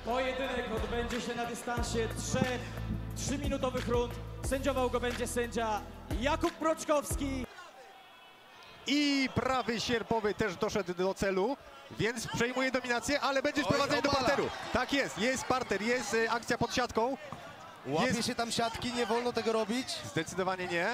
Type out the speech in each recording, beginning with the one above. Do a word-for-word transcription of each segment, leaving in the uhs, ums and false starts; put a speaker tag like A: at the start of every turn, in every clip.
A: Pojedynek odbędzie się na dystansie trzech trzyminutowych rund. Sędziował go będzie sędzia Jakub Mroczkowski.
B: I prawy sierpowy też doszedł do celu, więc przejmuje dominację, ale będzie sprowadzenie do parteru. Tak jest, jest parter, jest y, akcja pod siatką.
C: Łapie
B: Jest...
C: się tam siatki, nie wolno tego robić.
B: Zdecydowanie nie.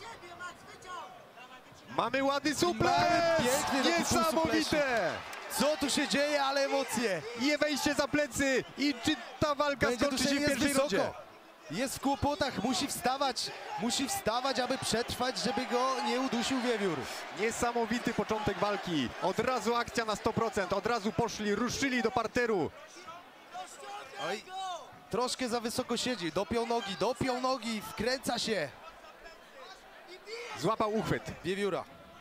B: Mamy ładny suplex!
C: Piękny
B: Niesamowite!
C: Co tu się dzieje, ale emocje.
B: I wejście za plecy. I czy ta walka
C: Będzie
B: skończy się w
C: jest
B: pierwszej
C: wysoko.
B: rundzie?
C: Jest w kłopotach, musi wstawać, musi wstawać, aby przetrwać, żeby go nie udusił wiewiór.
B: Niesamowity początek walki. Od razu akcja na sto procent. Od razu poszli, ruszyli do parteru.
C: Oj, troszkę za wysoko siedzi, dopiął nogi, dopiął nogi, wkręca się.
B: Złapał uchwyt.
C: Wiewióra.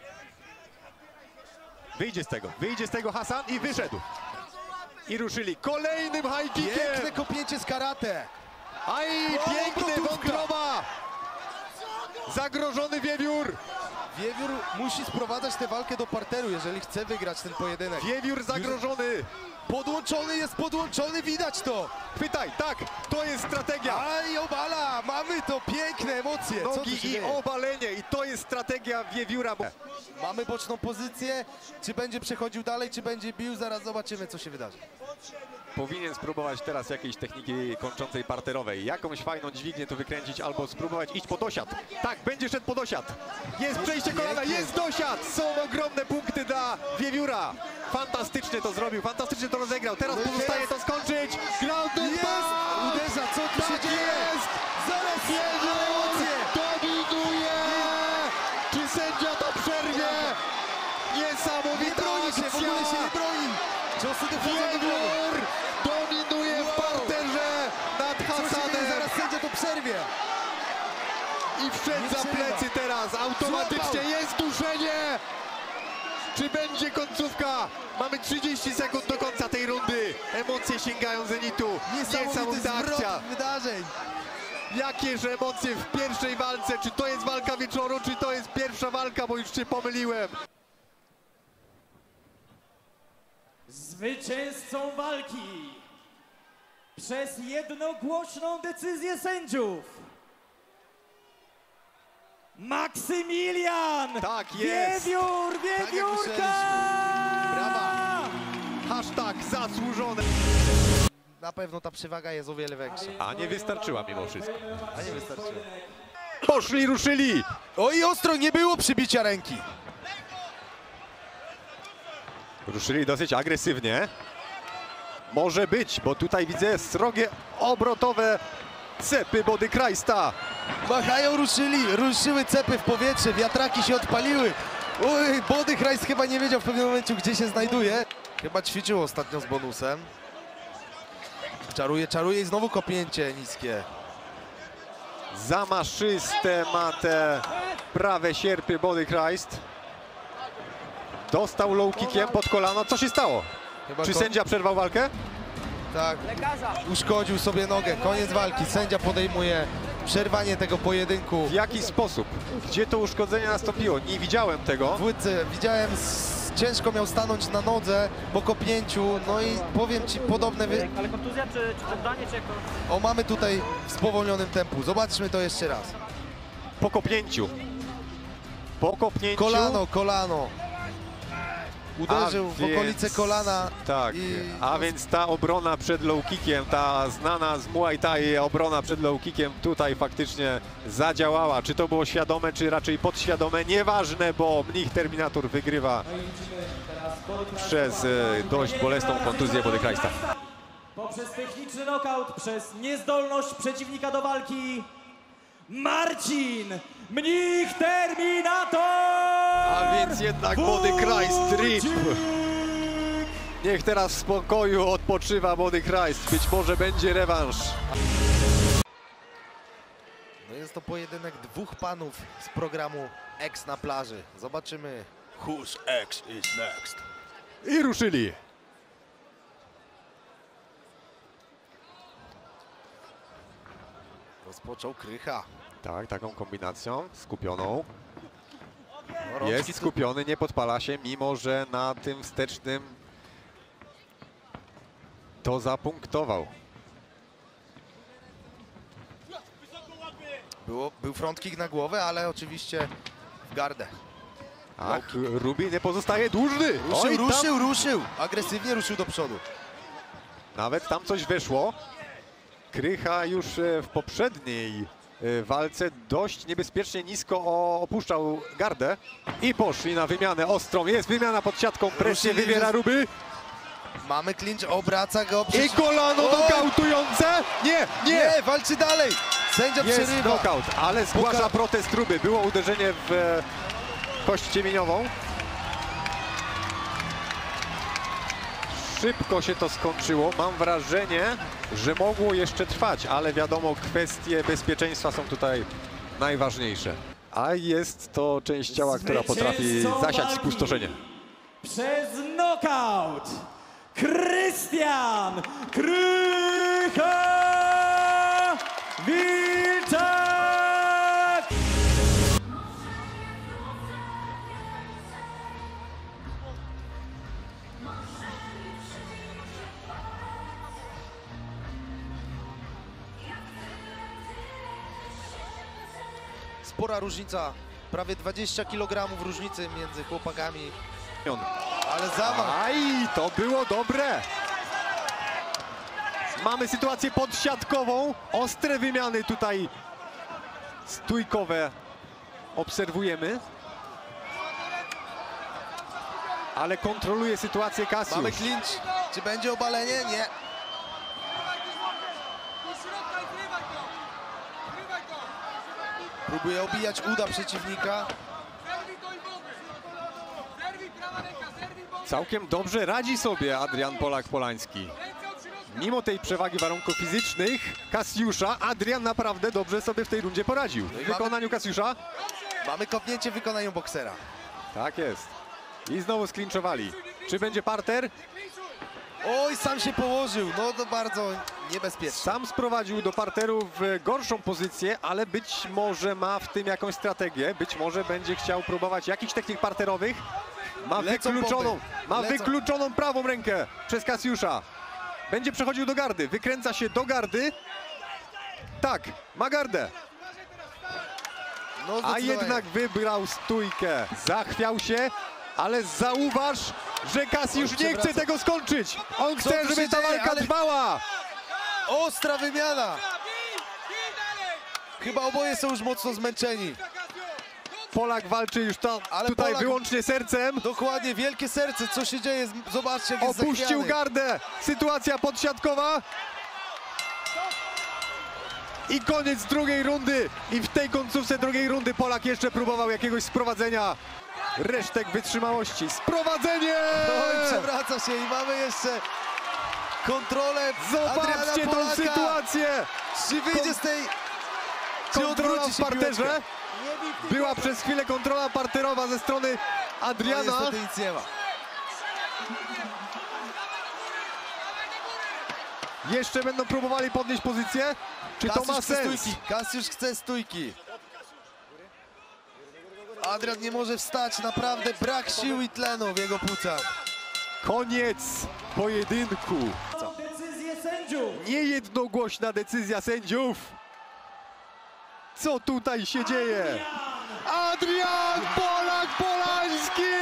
B: Wyjdzie z tego, wyjdzie z tego Hasan i wyszedł. I ruszyli kolejnym high kickiem.
C: Piękne kopnięcie z karate.
B: Aj,
C: O,
B: piękny
C: obrotówka.
B: wątroba. Zagrożony wiewiór.
C: Wiewiór musi sprowadzać tę walkę do parteru, jeżeli chce wygrać ten pojedynek.
B: Wiewiór zagrożony.
C: Podłączony jest, podłączony, widać to.
B: Chwytaj, tak, to jest strategia.
C: Aj, obala, mamy to, piękne emocje. Co tu
B: Nogi
C: się
B: i
C: dzieje?
B: obalenie i to jest strategia wiewióra.
C: Mamy boczną pozycję, czy będzie przechodził dalej, czy będzie bił, zaraz zobaczymy, co się wydarzy.
B: Powinien spróbować teraz jakiejś techniki kończącej parterowej. Jakąś fajną dźwignię tu wykręcić albo spróbować iść pod osiad. Tak, będzie szedł pod osiad. Jest przejście kolana, jest dosiad. Są ogromne punkty dla wiewióra. Fantastycznie to zrobił, fantastycznie to rozegrał. Teraz pozostaje to skończyć. Ground and
C: Jest!
B: pound!
C: Uderza, co tu się
B: Tak
C: dzieje?
B: jest!
C: Zaraz
B: Wiewiór
C: emocje!
B: dominuje! Czy sędzia to przerwie?
C: Nie
B: Niesamowita
C: broni się, w ogóle się
B: akcja!
C: nie broni. Ciosy dochodzą do głowy.
B: Wiewiór dominuje w parterze nad
C: Co się dzieje?
B: Hasanem
C: Zaraz sędzia to przerwie.
B: i wszedł
C: Nie
B: za
C: przerywa.
B: plecy teraz. Automatycznie
C: Złapał.
B: jest duszenie. Czy będzie końcówka? Mamy trzydzieści sekund do końca tej rundy. Emocje sięgają zenitu.
C: Niesamowity
B: Niesamowita akcja.
C: zwrot wydarzeń.
B: Jakież emocje w pierwszej walce. Czy to jest walka wieczoru, czy to jest pierwsza walka, bo już się pomyliłem.
A: Zwycięzcą walki przez jednogłośną decyzję sędziów Maksymilian
B: Tak jest.
A: Wiewiór, Wiewiórka!
C: Brawa.
B: Hashtag zasłużone.
C: Na pewno ta przewaga jest o wiele większa.
B: A nie wystarczyła mimo wszystko.
C: A nie wystarczyło.
B: Poszli, ruszyli.
C: Oj, ostro, nie było przybicia ręki.
B: Ruszyli dosyć agresywnie. Może być, bo tutaj widzę srogie obrotowe cepy Body Christa.
C: Machają, ruszyli, ruszyły cepy w powietrze, wiatraki się odpaliły. Oj, Body Christ chyba nie wiedział w pewnym momencie, gdzie się znajduje. Chyba ćwiczył ostatnio z bonusem. Czaruje, czaruje i znowu kopnięcie niskie.
B: Zamaszyste ma te prawe sierpy Body Christ. Dostał low kickiem pod kolano. Co się stało?
C: Chyba
B: Czy
C: ko-
B: sędzia przerwał walkę?
C: Tak, uszkodził sobie nogę, koniec walki. Sędzia podejmuje przerwanie tego pojedynku.
B: W jaki sposób? Gdzie to uszkodzenie nastąpiło? Nie widziałem tego.
C: W łydce widziałem, s- ciężko miał stanąć na nodze po kopnięciu, no i powiem ci podobne... Wy...
D: Ale kontuzja czy, czy poddanie, czy jak to?
C: O, mamy tutaj w spowolnionym tempu, zobaczmy to jeszcze raz.
B: Po kopnięciu. Po kopnięciu.
C: Kolano, kolano. Uderzył
B: A
C: w
B: więc-
C: okolice kolana.
B: Tak,
C: i...
B: a więc ta obrona przed low kickiem, ta znana z Muay Thai obrona przed low kickiem tutaj faktycznie zadziałała. Czy to było świadome, czy raczej podświadome? Nieważne, bo Mnich Terminator wygrywa przez e, dość bolesną kontuzję Body Christa.
A: Poprzez techniczny knockout, przez niezdolność przeciwnika do walki Marcin Mnich Terminator!
B: A więc jednak Body Christ rip. Niech teraz w spokoju odpoczywa Body Christ. Być może będzie rewanż.
C: No jest to pojedynek dwóch panów z programu X na plaży. Zobaczymy, whose X is next.
B: I ruszyli.
C: Rozpoczął Krycha.
B: Tak, taką kombinacją skupioną.
C: No, rączki
B: Jest
C: tu-
B: skupiony, nie podpala się, mimo że na tym wstecznym to zapunktował.
C: Było, był front kick na głowę, ale oczywiście w gardę.
B: Ach, Ruby nie pozostaje dłużny.
C: Ruszył,
B: Oj, tam,
C: ruszył, ruszył. Agresywnie ruszył do przodu.
B: nawet tam coś wyszło. Krycha już e, w poprzedniej e, walce dość niebezpiecznie nisko o, opuszczał gardę. I poszli na wymianę ostrą. Jest wymiana pod siatką. Presję
C: Ruszyli,
B: wywiera
C: że-
B: Ruby.
C: Mamy clinch, obraca go.
B: I
C: Przecież...
B: kolano
C: Oj!
B: nokautujące. Nie, nie.
C: Nie, walczy dalej. Sędzia
B: Jest
C: przerywa.
B: knockout, ale zgłasza
C: Poka-
B: protest Ruby. Było uderzenie w e, kość ciemieniową. Szybko się to skończyło. Mam wrażenie, że mogło jeszcze trwać, ale wiadomo, kwestie bezpieczeństwa są tutaj najważniejsze. A jest to część ciała, która potrafi
A: Zwycięzcą
B: zasiać
A: walki
B: spustoszenie.
A: Przez knockout Krystian Krycha Wilczak!
C: Spora różnica. Prawie dwadzieścia kilogramów różnicy między chłopakami. Ale zamach.
B: Aj, to było dobre. Mamy sytuację podsiadkową. Ostre wymiany tutaj stójkowe obserwujemy. Ale kontroluje sytuację Cassiusz.
C: Mamy clinch. Czy będzie obalenie? Nie. Próbuje obijać uda przeciwnika.
B: Całkiem dobrze radzi sobie Adrian Polak-Polański. Mimo tej przewagi warunków fizycznych Cassiusza, Adrian naprawdę dobrze sobie w tej rundzie poradził. W wykonaniu Cassiusza.
C: Mamy kopnięcie w wykonaniu boksera.
B: Tak jest. I znowu sklinczowali. Czy będzie parter?
C: Oj, sam się położył. No to bardzo niebezpieczne.
B: Sam sprowadził do parteru w gorszą pozycję, ale być może ma w tym jakąś strategię. Być może będzie chciał próbować jakichś technik parterowych. Ma
C: Lecą
B: wykluczoną,
C: popy.
B: ma
C: Lecą.
B: wykluczoną prawą rękę przez Cassiusza. Będzie przechodził do gardy, wykręca się do gardy. Tak, ma gardę.
C: No,
B: A
C: zdecydowanie.
B: jednak wybrał stójkę. Zachwiał się, ale zauważ, że Cassiusz
C: Oj,
B: nie chce
C: przewraca.
B: tego skończyć. On
C: Co
B: chce,
C: tu
B: żeby
C: się
B: ta
C: dzieje?
B: walka
C: Ale-
B: trwała.
C: Ostra wymiana. Chyba oboje są już mocno zmęczeni.
B: Polak walczy już tam,
C: Ale
B: tutaj
C: Polak-
B: wyłącznie sercem.
C: Dokładnie, wielkie serce. Co się dzieje? Zobaczcie, jak jest
B: Opuścił
C: zachwiany.
B: gardę. Sytuacja podsiadkowa. I koniec drugiej rundy. I w tej końcówce drugiej rundy Polak jeszcze próbował jakiegoś sprowadzenia. Resztek wytrzymałości. Sprowadzenie!
C: Oj, przewraca się i mamy jeszcze kontrolę
B: Zobaczcie
C: Adriana
B: tą
C: Polaka.
B: sytuację.
C: Czy wyjdzie
B: Kon-
C: z tej... Czy
B: Kontrola
C: odwróci
B: w
C: się
B: parterze.
C: piłeczka?
B: Była przez chwilę kontrola parterowa ze strony
C: No,
B: Adriana.
C: niestety nic nie ma.
B: Jeszcze będą próbowali podnieść pozycję. Czy to ma
C: Cassiusz chce
B: sens?
C: stójki. Cassiusz chce stójki. Adrian nie może wstać. Naprawdę brak sił i tlenu w jego płucach.
B: Koniec pojedynku.
A: Decyzję sędziów.
B: Niejednogłośna decyzja sędziów. Co tutaj się dzieje? Adrian Polak-Polański!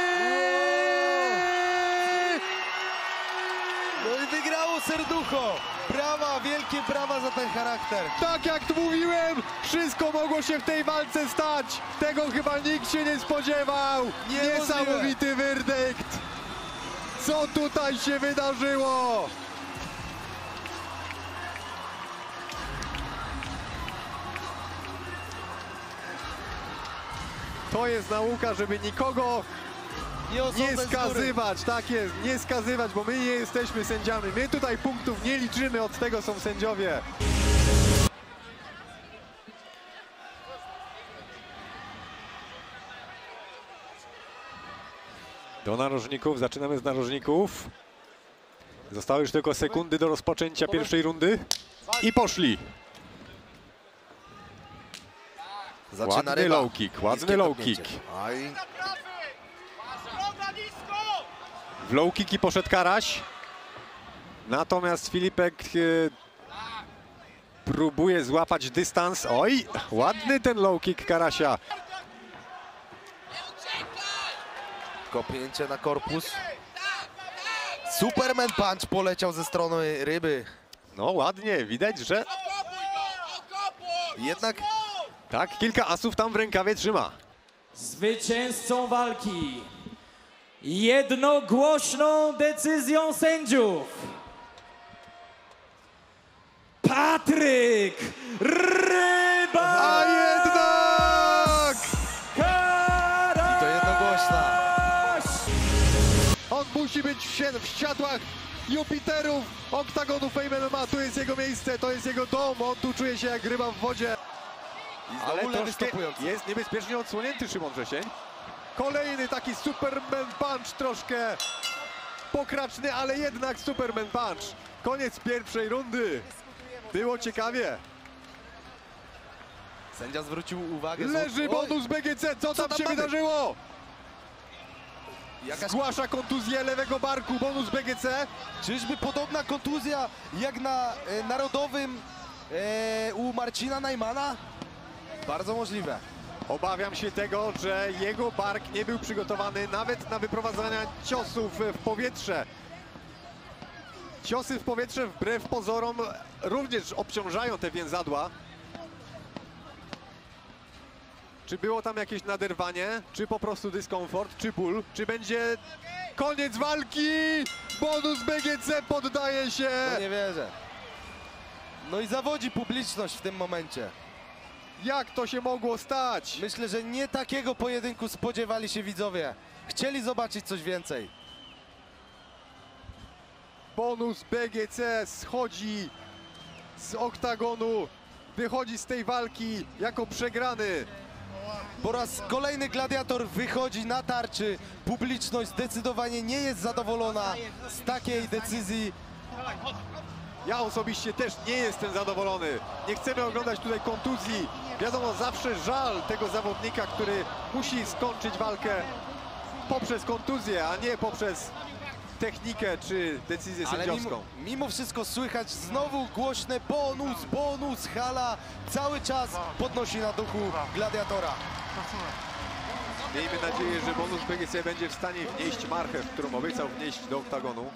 C: No i wygrało serducho. Brawa, wielkie brawa za ten charakter.
B: Tak jak tu mówiłem, wszystko mogło się w tej walce stać. Tego chyba nikt się nie spodziewał.
C: Niemożliwe.
B: Niesamowity werdykt. Co tutaj się wydarzyło? To jest nauka, żeby nikogo
C: Nie,
B: nie
C: osądzać z góry.
B: skazywać, tak jest, nie skazywać, bo my nie jesteśmy sędziami. My tutaj punktów nie liczymy, od tego są sędziowie. Do narożników, zaczynamy z narożników. Zostały już tylko sekundy do rozpoczęcia pierwszej rundy. I poszli.
C: Zaczyna
B: Ładny
C: ryba.
B: low kick, ładny
C: Niskie
B: low
C: kopnięcie.
B: kick.
C: Aj.
B: W low kicki poszedł Karaś. Natomiast Filipek e, próbuje złapać dystans. Oj, ładny ten low kick Karasia.
C: Kopnięcie na korpus. Superman punch poleciał ze strony Ryby.
B: No ładnie, widać, że
C: Jednak
B: tak, kilka asów tam w rękawie trzyma.
A: Zwycięzcą walki jednogłośną decyzją sędziów Patryk Ryba!
B: A jednak!
A: Karaś!
C: I to jednogłośna.
B: On musi być w, sie- w siatłach Jupiterów oktagonu Fame M M A. Tu jest jego miejsce, to jest jego dom. On tu czuje się jak ryba w wodzie.
C: I
B: Ale
C: znowu lewy
B: troszkę
C: stopujący.
B: jest niebezpiecznie odsłonięty Szymon Wrzesień. Kolejny taki Superman Punch, troszkę pokraczny, ale jednak Superman Punch. Koniec pierwszej rundy. Było ciekawie.
C: Sędzia zwrócił uwagę.
B: Leży
C: Oj,
B: bonus B G C. Co
C: Co
B: tam
C: tam
B: się
C: mamy?
B: wydarzyło?
C: Jakaś,
B: Zgłasza kontuzję lewego barku. Bonus B G C.
C: czyżby podobna kontuzja jak na e, narodowym e, u Marcina Najmana? Bardzo możliwe.
B: Obawiam się tego, że jego bark nie był przygotowany nawet na wyprowadzania ciosów w powietrze. Ciosy w powietrze wbrew pozorom również obciążają te więzadła. Czy było tam jakieś naderwanie, czy po prostu dyskomfort, czy ból, czy będzie koniec walki? Bonus B G C poddaje się.
C: No nie wierzę. No i zawodzi publiczność w tym momencie.
B: Jak to się mogło stać?
C: Myślę, że nie takiego pojedynku spodziewali się widzowie. Chcieli zobaczyć coś więcej.
B: Bonus B G C schodzi z oktagonu, wychodzi z tej walki jako przegrany.
C: Po raz kolejny gladiator wychodzi na tarczy. Publiczność zdecydowanie nie jest zadowolona z takiej decyzji.
B: Ja osobiście też nie jestem zadowolony. Nie chcemy oglądać tutaj kontuzji. Wiadomo, zawsze żal tego zawodnika, który musi skończyć walkę poprzez kontuzję, a nie poprzez technikę czy decyzję
C: Ale
B: sędziowską.
C: mimo, mimo wszystko słychać znowu głośne bonus, bonus, hala. Cały czas podnosi na duchu gladiatora.
B: Miejmy nadzieję, że bonus B G C będzie w stanie wnieść marchew, którą obiecał wnieść do oktagonu.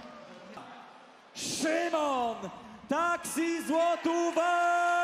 A: Szymon Taksi Złotówa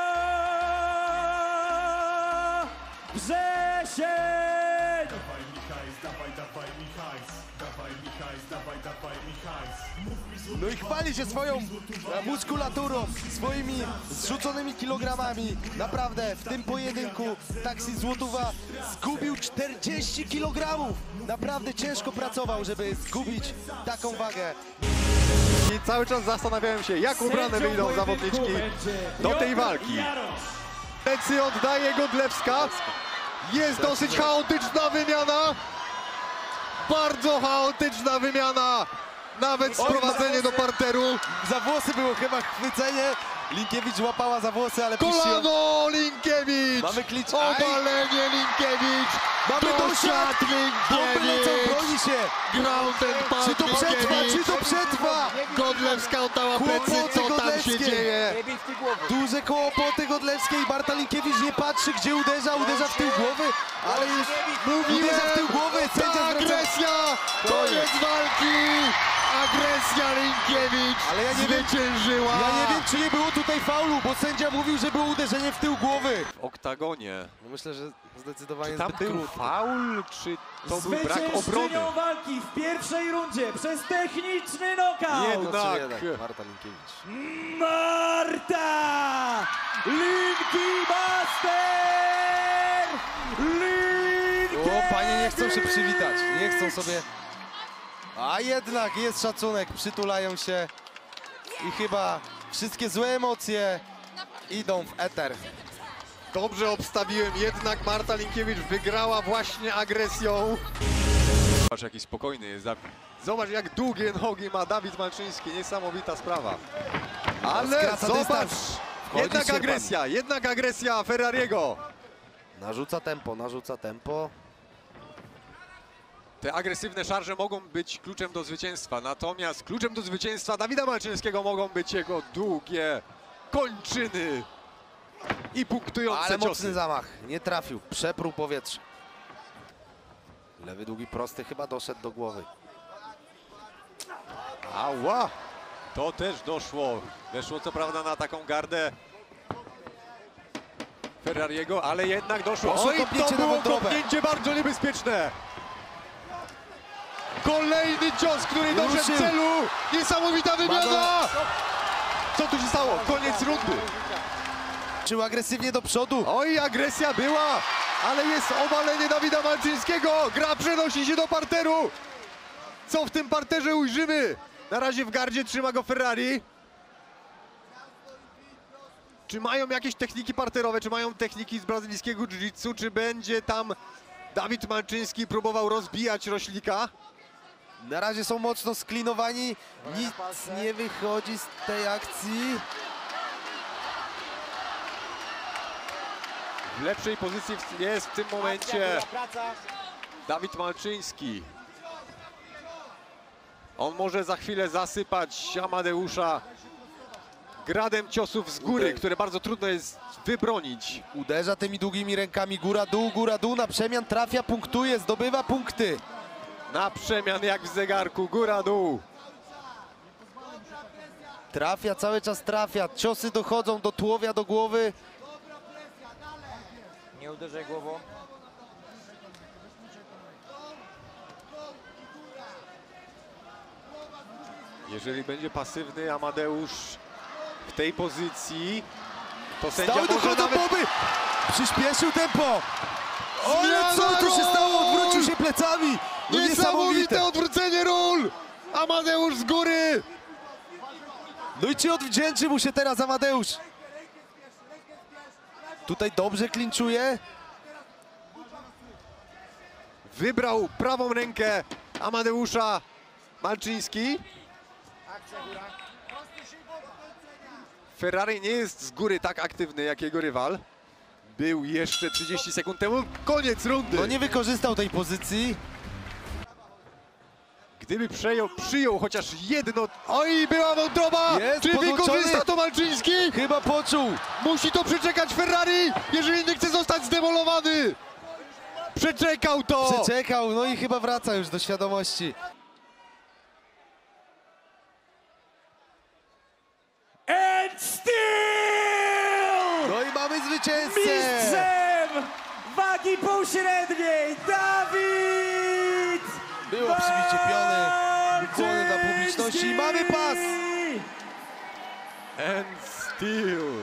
A: Wrzesień!
E: Dawaj Michajs, dawaj, dawaj Michajs, dawaj Michajs, dawaj, dawaj Michajs. Mów mi złoty
C: No i chwali się swoją e, muskulaturą, swoimi zrzuconymi kilogramami. Naprawdę w tym pojedynku Taksi Złotówa zgubił czterdzieści kilogramów. Naprawdę ciężko pracował, żeby zgubić taką wagę.
B: I cały czas zastanawiałem się, jak ubrane
A: Sędzią
B: wyjdą
A: pojedynku
B: zawodniczki
A: będzie
B: do tej
A: Piotr
B: walki.
A: Jarosz.
B: Plecy oddaje Godlewska. Jest dosyć chaotyczna wymiana. Bardzo chaotyczna wymiana. Nawet sprowadzenie do parteru.
C: Za włosy było chyba chwycenie. Linkiewicz łapała za włosy, ale puściła.
B: Kolano Linkiewicz.
C: Mamy klicz.
B: Obalenie Linkiewicz.
C: Mamy dosiad. Bomby lecą,
B: Linkiewicz.
C: broni się.
B: Ground and pound
C: Czy to przetrwa, czy to przetrwa?
B: Godlewska oddała plecy.
C: Kłopoty
B: Co tam się
C: Godlewskiej.
B: dzieje?
C: Duże kłopoty Godlewskiej. Marta Linkiewicz nie patrzy, gdzie uderza. Uderza w tył głowy, ale już uderza w tył głowy.
B: Ta
C: Sędzia zwraca...
B: agresja. Koniec walki. Agresja Linkiewicz
C: Ale ja nie wiem-
B: zwyciężyła.
C: Ja nie wiem, czy nie było tutaj faulu, bo sędzia mówił, że było uderzenie w tył głowy.
B: W oktagonie.
C: No myślę, że zdecydowanie
B: Tam
C: zbyt
B: był
C: krótko.
B: faul, czy to był brak obrony?
A: Zwyciężczynią walki w pierwszej rundzie przez techniczny knockout
B: Jedno-
C: No,
B: Tak.
C: trzy jeden. Marta Linkiewicz.
A: Marta Linki Master Linkiewicz!
C: O, panie nie chcą się przywitać, nie chcą sobie... A jednak jest szacunek, przytulają się i chyba wszystkie złe emocje idą w eter.
B: Dobrze obstawiłem, jednak Marta Linkiewicz wygrała właśnie agresją. Zobacz, jaki spokojny jest. Zobacz, jak długie nogi ma Dawid Malczyński. Niesamowita sprawa. Ale
C: Skraca
B: zobacz,
C: dystans. Wchodzi
B: jednak
C: Szczerban.
B: agresja, jednak agresja Ferrariego.
C: Narzuca tempo, narzuca tempo.
B: Te agresywne szarże mogą być kluczem do zwycięstwa, natomiast kluczem do zwycięstwa Dawida Malczyńskiego mogą być jego długie kończyny i punktujące
C: Ale mocny
B: ciosy.
C: zamach, nie trafił, przepruł powietrze. Lewy długi prosty chyba doszedł do głowy.
B: Ała! To też doszło. Weszło co prawda na taką gardę Ferrariego, ale jednak doszło.
C: Poszło
B: Oj,
C: kopnięcie
B: to
C: na
B: było
C: wątrobę.
B: kopnięcie bardzo niebezpieczne. Kolejny cios, który doszedł
C: Ruszył.
B: w celu. Niesamowita wymiana! Co tu się stało? Koniec rundy.
C: Czył agresywnie do przodu.
B: Oj, agresja była, ale jest obalenie Dawida Malczyńskiego. Gra przenosi się do parteru. Co w tym parterze ujrzymy? Na razie w gardzie trzyma go Ferrari. Czy mają jakieś techniki parterowe, czy mają techniki z brazylijskiego jiu-jitsu, czy będzie tam Dawid Malczyński próbował rozbijać Roślika?
C: Na razie są mocno sklinowani. Nic nie wychodzi z tej akcji.
B: W lepszej pozycji jest w tym momencie Dawid Malczyński. On może za chwilę zasypać Amadeusza gradem ciosów z góry,
C: Uder.
B: które bardzo trudno jest wybronić.
C: Uderza tymi długimi rękami. Góra, dół, góra, dół. Na przemian trafia, punktuje, zdobywa punkty.
B: Na przemian jak w zegarku, góra, dół.
C: Trafia, cały czas trafia. Ciosy dochodzą do tułowia, do głowy.
D: Nie uderzaj głową.
B: Jeżeli będzie pasywny Amadeusz w tej pozycji, to sędzia
C: Stały
B: może
C: dochodzą
B: nawet...
C: boby. Przyspieszył tempo. Ale co tu się
B: ról!
C: stało? Odwrócił się plecami. No
B: Niesamowite
C: niesamowite.
B: odwrócenie ról! Amadeusz z góry!
C: No i czy odwdzięczy mu się teraz Amadeusz? Tutaj dobrze klinczuje.
B: Wybrał prawą rękę Amadeusza Malczyński. Ferrari nie jest z góry tak aktywny jak jego rywal. Był jeszcze trzydzieści sekund temu. Koniec rundy.
C: No nie wykorzystał tej pozycji.
B: Gdyby przejął, przyjął chociaż jedno... Oj, była wątroba!
C: Jest
B: Czy
C: podłączony.
B: wykorzysta to Malczyński?
C: Chyba poczuł.
B: Musi to przeczekać Ferrari, jeżeli nie chce zostać zdemolowany. Przeczekał to!
C: Przeczekał, no i chyba wraca już do świadomości.
A: And still!
C: No i mamy zwycięzcę!
A: Mistrzem wagi półśredniej Dawid
C: Było przybicie piony, ukłony dla publiczności i mamy pas!
B: And still.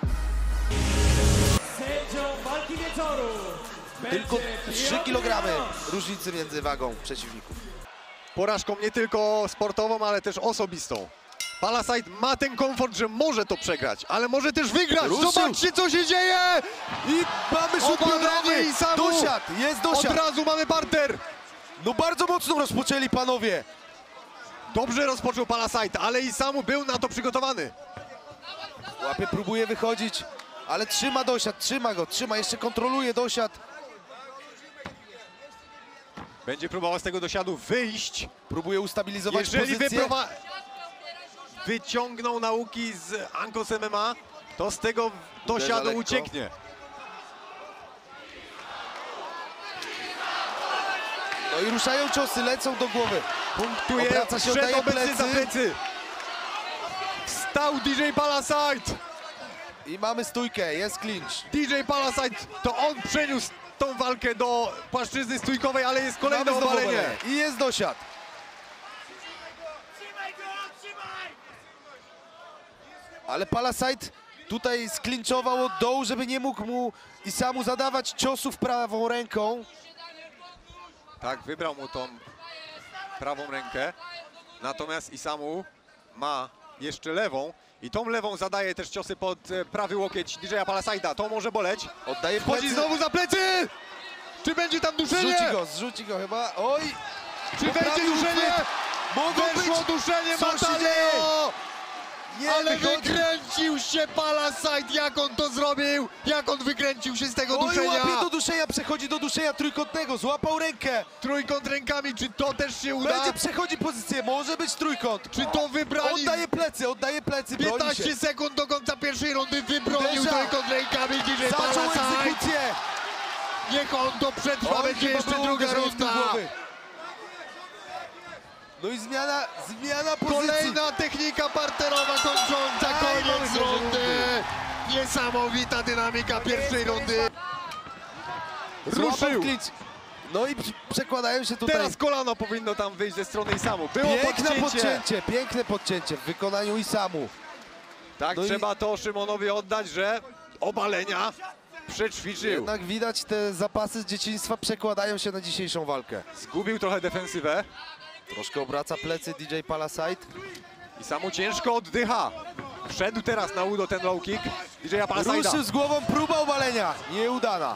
A: Sędzią walki wieczoru
C: Tylko
A: będzie
C: trzy kilogramy różnicy między wagą przeciwników.
B: Porażką nie tylko sportową, ale też osobistą. Palasite ma ten komfort, że może to przegrać, ale może też wygrać.
C: Ruszył.
B: Zobaczcie, co się dzieje!
C: I mamy rzut
B: Obalenie
C: pionowy!
B: i samu.
C: Dosiad, jest
B: Od
C: dosiad!
B: razu mamy parter.
C: No bardzo mocno rozpoczęli panowie!
B: Dobrze rozpoczął Palasite, ale i samu był na to przygotowany.
C: Łapie, próbuje wychodzić, ale trzyma dosiad, trzyma go, trzyma, jeszcze kontroluje dosiad.
B: Będzie próbował z tego dosiadu wyjść.
C: Próbuje ustabilizować
B: Jeżeli
C: pozycję.
B: wyprowa... wyciągnął nauki z Ankos M M A, to z tego dosiadu
C: lekko.
B: ucieknie.
C: No i ruszają ciosy, lecą do głowy.
B: Punktuje,
C: Obraca się,
B: wszedł
C: oddaje
B: obecny za
C: plecy.
B: plecy. Stał D J Palasite.
C: I mamy stójkę, jest clinch.
B: D J Palasite, to on przeniósł tą walkę do płaszczyzny stójkowej, ale jest kolejne
C: Mamy znowu
B: obalenie.
C: obalenie. I jest dosiad. Ale Palasite tutaj sklinczował od dołu, żeby nie mógł mu i samu zadawać ciosów prawą ręką.
B: Tak, wybrał mu tą prawą rękę, natomiast Isamu ma jeszcze lewą i tą lewą zadaje też ciosy pod e, prawy łokieć D J Palasite'a. To może boleć.
C: Oddaje
B: Wchodzi
C: plecy.
B: znowu za plecy! Czy będzie tam duszenie?
C: Zrzuci go, zrzuci go chyba. Oj!
B: Czy będzie
C: poprawił
B: duszenie?
C: uchwyt. Mogą
B: Weszło
C: być.
B: duszenie
C: Co się
B: Mataleo!
C: Nie
B: Ale
C: wychodzi.
B: wykręcił się Palasite, jak on to zrobił? Jak on wykręcił się z tego
C: Oj,
B: duszenia?
C: łapie do duszenia, przechodzi do duszenia trójkątnego, złapał rękę.
B: Trójkąt rękami, czy to też się uda?
C: Będzie przechodzi pozycję, może być trójkąt.
B: Czy to wybrali?
C: Oddaje plecy, oddaje plecy, broni się.
B: piętnaście sekund do końca pierwszej rundy, wybronił
C: Uderza.
B: trójkąt rękami D J
C: Zaczął
B: Palasite.
C: egzekucję.
B: Niech on to przetrwa,
C: Oj,
B: będzie
C: chyba
B: jeszcze
C: było
B: druga
C: uderzenie w tył
B: runda.
C: głowy. No i zmiana, zmiana pozycji.
B: Kolejna technika parterowa kończąca
C: Aj,
B: koniec
C: mamy
B: rundy. Niesamowita dynamika pierwszej rundy.
C: Złapał
B: Ruszył.
C: klicz. No i przy- przekładają się tutaj.
B: Teraz kolano powinno tam wyjść ze strony Isamu. Było
C: Piękne
B: podcięcie.
C: podcięcie, piękne podcięcie w wykonaniu Isamu.
B: Tak,
C: No i-
B: trzeba to Szymonowi oddać, że obalenia przećwiczył.
C: Jednak widać, te zapasy z dzieciństwa przekładają się na dzisiejszą walkę.
B: Zgubił trochę defensywę.
C: Troszkę obraca plecy D J Palasite.
B: Isamu ciężko oddycha. Wszedł teraz na udo ten low kick D J Palaside'a.
C: Ruszył z głową, próba obalenia, nieudana.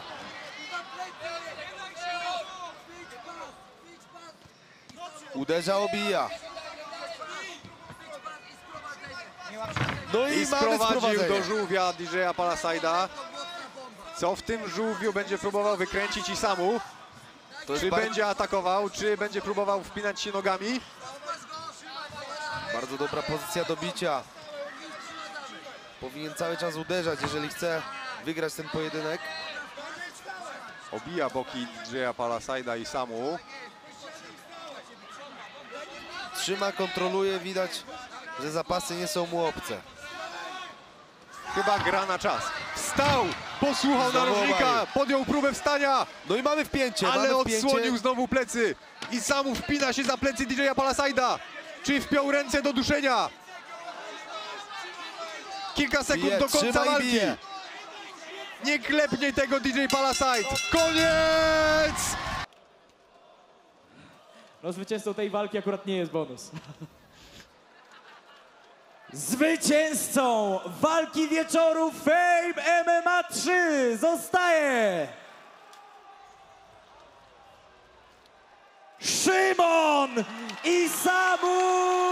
C: Uderza, obija. No i,
B: I
C: mamy
B: sprowadził
C: sprowadzenie.
B: do żółwia D J Palaside'a. Co w tym żółwiu będzie próbował wykręcić Isamu?
C: To jest
B: Czy
C: bar-
B: będzie atakował, czy będzie próbował wpinać się nogami?
C: bardzo dobra pozycja do bicia. Powinien cały czas uderzać, jeżeli chce wygrać ten pojedynek.
B: Obija boki D J Palaside'a i Isamu.
C: Trzyma, kontroluje, widać, że zapasy nie są mu obce.
B: Chyba gra na czas. Wstał, posłuchał
C: Znowu
B: narożnika,
C: obalił.
B: podjął próbę wstania,
C: No i mamy wpięcie,
B: ale
C: mamy wpięcie.
B: odsłonił znowu plecy. Isamu wpina się za plecy D J Palaside'a. Czy wpiął ręce do duszenia? Kilka sekund
C: Bije,
B: do końca
C: trzyma i
B: walki.
C: bije.
B: Nie klepnie tego D J Palaside. Koniec!
A: No zwycięzcą tej walki akurat nie jest bonus. Zwycięzcą walki wieczoru Fame M M A trzy zostaje Szymon Isamu!